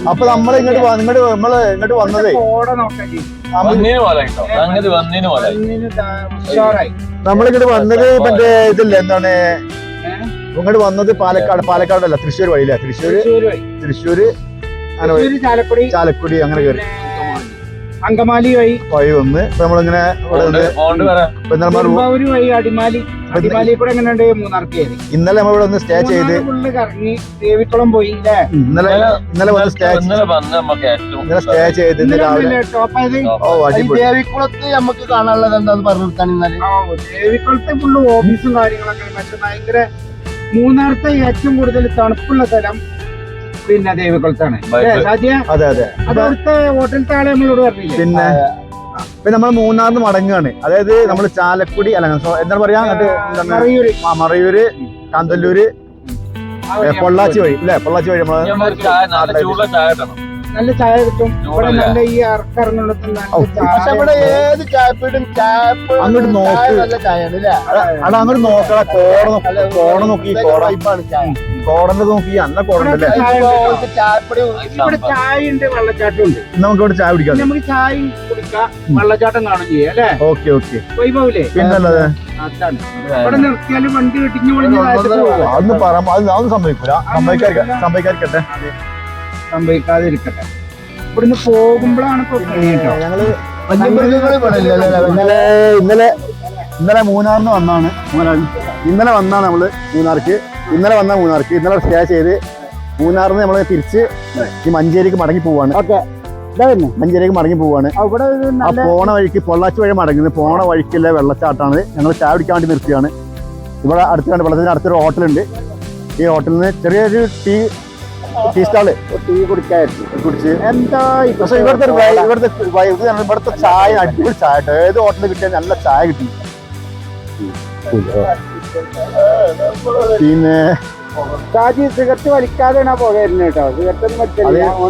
അപ്പൊ നമ്മള് ഇങ്ങോട്ട് വന്നതേ നമ്മളിങ്ങോട്ട് വന്നത് മറ്റേ ഇതില്ല എന്താണ് ഇങ്ങോട്ട് വന്നത് പാലക്കാടല്ല തൃശ്ശൂർ വഴിയില്ല തൃശ്ശൂര് ചാലക്കുടി അങ്ങനെ കയറി അങ്കമാലി വഴി വന്ന് നമ്മളിങ്ങനെ വഴി അടിമാലി കൂടെ എങ്ങനെയുണ്ട് മൂന്നാർക്ക് കയറി. ഇന്നലെ നമ്മളിവിടെ ഒന്ന് സ്റ്റേ ചെയ്ത് കറങ്ങി ദേവിക്കുളം പോയി ഇന്നലെ വന്ന് സ്റ്റേ ചെയ്ത് രാവിലെ ദേവിക്കുളത്ത് നമുക്ക് കാണാനുള്ളത് എന്താന്ന് പറഞ്ഞു. ദേവിക്കുളത്തെ ഫുള്ള് ഓഫീസും കാര്യങ്ങളൊക്കെ മറ്റേ ഭയങ്കര മൂന്നാറത്തെ ഏറ്റവും കൂടുതൽ തണുപ്പുള്ള സ്ഥലം പിന്നെ ദേവിക്കുളത്താണ്. അതെ അതെ അതവിടുത്തെ ഹോട്ടലത്തെ ആളെ നമ്മളോട് പറഞ്ഞില്ലേ. പിന്നെ നമ്മൾ മൂന്നാറിന് മടങ്ങുകയാണ്. അതായത് നമ്മൾ ചാലക്കുടി അല്ല എന്താ പറയാ മറയൂര് കാന്തല്ലൂര് പൊള്ളാച്ചി വഴി അല്ലെ പൊള്ളാച്ചി വഴി നല്ല ചായ കിട്ടും ഇവിടെ. നല്ല ഈ ഇറക്കിറങ്ങുന്നിടത്ത് ഏത് ചായപ്പീടും അങ്ങോട്ട് നോക്കി അത് അങ്ങോട്ട് നോക്കട കോട നോക്കി കോടന്റെ നോക്കി അന്ന കോടണ്ടല്ലേ. ഇവിടെ ചായ ഉണ്ട് വെള്ളച്ചാട്ടം ഉണ്ട്. നമുക്ക് ഇവിടെ ചായ കുടിക്കാം. നമുക്ക് ചായ കുടിക്കാം വെള്ളച്ചാട്ടം കാണും ചെയ്യാം അല്ലെ. ഓക്കെ ഓക്കെ വൈഭവില്ലേ പിന്നല്ലത് അതാണ്. ഇവിടെ നിർത്തിയാലും വണ്ടി വെട്ടിഞ്ഞു അതൊന്നും പറയാം. അതൊന്നും സംഭവിക്കൂല. സംഭവിക്കാതിരിക്കട്ടെ സംഭവിക്കാതിരിക്കട്ടെ. ഇവിടുന്ന് പോകുമ്പോഴാണ് ഞങ്ങള് ഇന്നലെ മൂന്നാറിന് വന്നാണ്. ഇന്നലെ നമ്മള് മൂന്നാർക്ക് ഇന്നലെ സ്റ്റേ ചെയ്ത് മൂന്നാറിന് നമ്മള് തിരിച്ച് ഈ മഞ്ചേരിക്ക് മടങ്ങി പോവാണ്. മഞ്ചേരിക്ക് മടങ്ങി പോവാണ്. ആ പോണ വഴിക്ക് പൊള്ളാച്ചി വഴി മടങ്ങുന്നത്. പോണ വഴിക്കുള്ള വെള്ളച്ചാട്ടാണ്. ഞങ്ങൾ ചായ കുടിക്കാൻ വേണ്ടി നിർത്തിയാണ്. ഇവിടെ അടുത്ത് വെള്ളത്തിന് അടുത്തൊരു ഹോട്ടലുണ്ട്. ഈ ഹോട്ടലിൽ നിന്ന് ചെറിയൊരു ടീ സ്റ്റാള് കുടിച്ച് എന്താ പക്ഷെ ഇവിടുത്തെ ചായ അടിപൊളി ചായ. ഏത് ഹോട്ടലിൽ കിട്ടിയാൽ നല്ല ചായ കിട്ടി. പിന്നെ സിഗരറ്റ് വലിക്കാതെയാണ് പോകായിരുന്നു കേട്ടോ. സിഗരറ്റ്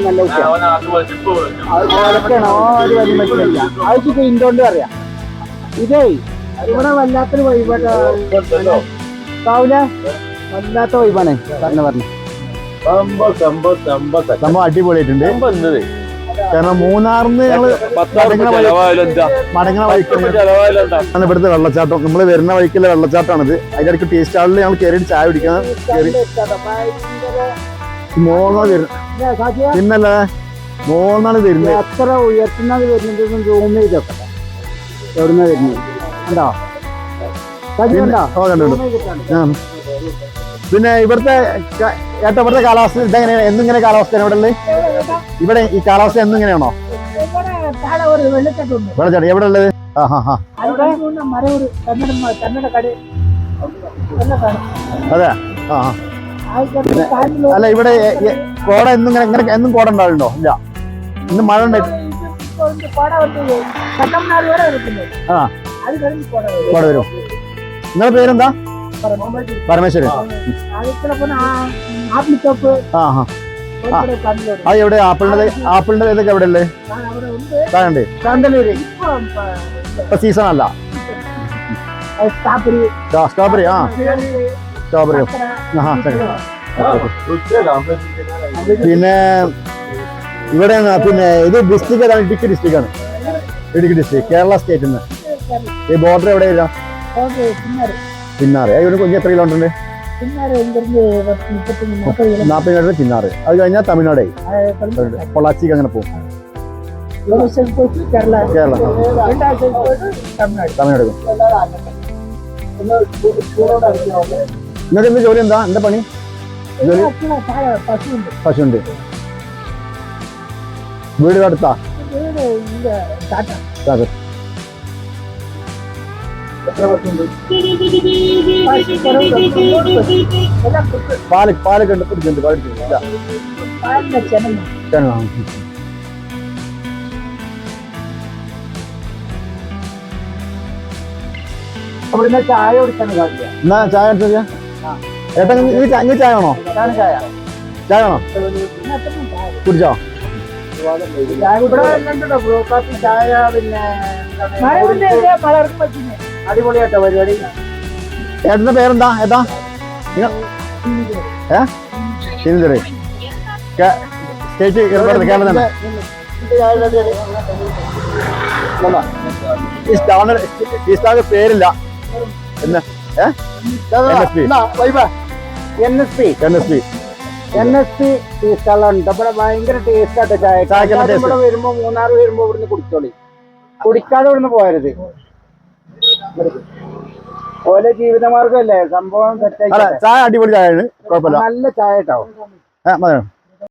അത് ഇന്തുകൊണ്ട് പറയാം. ഇതേ ഇവിടെ വല്ലാത്തൊരു വഴിപാടാവില്ല. വല്ലാത്ത വഴിപാണ് പറഞ്ഞു. സംഭവം അടിപൊളിയായിട്ടുണ്ട്. കാരണം മൂന്നാറിന്ന് ഞങ്ങള് മടങ്ങണ വഴിക്കാണ് ഇവിടുത്തെ വെള്ളച്ചാട്ടം. നമ്മള് വരുന്ന വഴിക്കുള്ള വെള്ളച്ചാട്ടമാണിത്. അതിന്റെ ഇടയ്ക്ക് ടീ സ്റ്റാളിൽ ഞങ്ങൾ കയറിയിട്ട് ചായ കുടിക്കാൻ പിന്നല്ല മോന്നാണ് വരുന്നത്. എത്ര ഉയർത്തുന്നത് വരുന്നത് റൂം ചെയ്തൊക്കെ എവിടുന്ന വരുന്നത് ഉണ്ടോ? പിന്നെ ഇവിടുത്തെ കാലാവസ്ഥ ഇതെങ്ങനെയാണ്? എന്നിങ്ങനെ കാലാവസ്ഥ ഇവിടെ ഈ കാലാവസ്ഥ എന്നിങ്ങനെയാണോ? വെള്ളച്ചാട്ടം എവിടെ ഉള്ളത്? അതെ അല്ല ഇവിടെ കോട എന്നും കോട ഉണ്ടാവുന്നുണ്ടോ? ഇല്ല, ഇന്ന് മഴ ഉണ്ടായി. കോട വരും. നിങ്ങളുടെ പേരെന്താ? പരമേശ്വരൻ. അത് എവിടെ? ആപ്പിളിന്റെ ഇതൊക്കെ എവിടെ ഉള്ളത്? ഇപ്പൊ സീസൺ അല്ല. Strawberry strawberry. പിന്നെ ഇവിടെ പിന്നെ ഇത് ഡിസ്ട്രിക്ട് ഏതാണ്? ഇടുക്കി ഡിസ്ട്രിക്ട് ആണ്. ഇടുക്കി ഡിസ്ട്രിക്ട് കേരള സ്റ്റേറ്റിൽ നിന്ന്. ഈ ബോർഡർ എവിടെ വരിക? ചിന്നാറ്. ഇവിടെ കൊഞ്ച് എത്ര കിലോമീറ്റർ ഉണ്ട്? 40 കിലോമീറ്റർ ചിന്നാറ്. അത് കഴിഞ്ഞാൽ തമിഴ്നാടായി. പൊള്ളാച്ചിക്ക് അങ്ങനെ പോകും. കേരള തമിഴ്നാട്. നിങ്ങൾക്ക് എന്ത് ജോലി? എന്താ പണി? പശുണ്ട്. വീട് അടുത്താ? പാലൊക്കെ ഉണ്ട്. പിടിച്ചിട്ടുണ്ട്. ചായ കുടിക്കാൻ എന്നാ ചായ എടുത്ത ഏട്ടാ ഇനി ചായ വേണോ? ചായ വേണോ? കുടിച്ചോ? ചായ പിന്നെ അടിപൊളിയാട്ടോ പരിപാടി. ഏട്ടന്റെ പേരെന്താ? സ്റ്റേറ്റ് കേരളം തന്നെ ഈ സ്റ്റാറിന്റെ പേരില്ല എന്ന് NSP. NSP ഈ സ്ഥലമുണ്ട് ഇവിടെ ഭയങ്കര ടേസ്റ്റ് ആട്ടെ ചായ ചായക്ക് നല്ല ഇവിടെ വരുമ്പോ മൂന്നാർ വരുമ്പോ ഇവിടുന്ന് കുടിച്ചോളി കുടിക്കാതെ ഇവിടുന്ന് പോയരുത് ഓലെ ജീവിതമാർഗമല്ലേ സംഭവം അല്ല സെറ്റായി ചായ അടിപൊളി ചായയാണ് കുഴപ്പമില്ല നല്ല ചായ കേട്ടോ മതി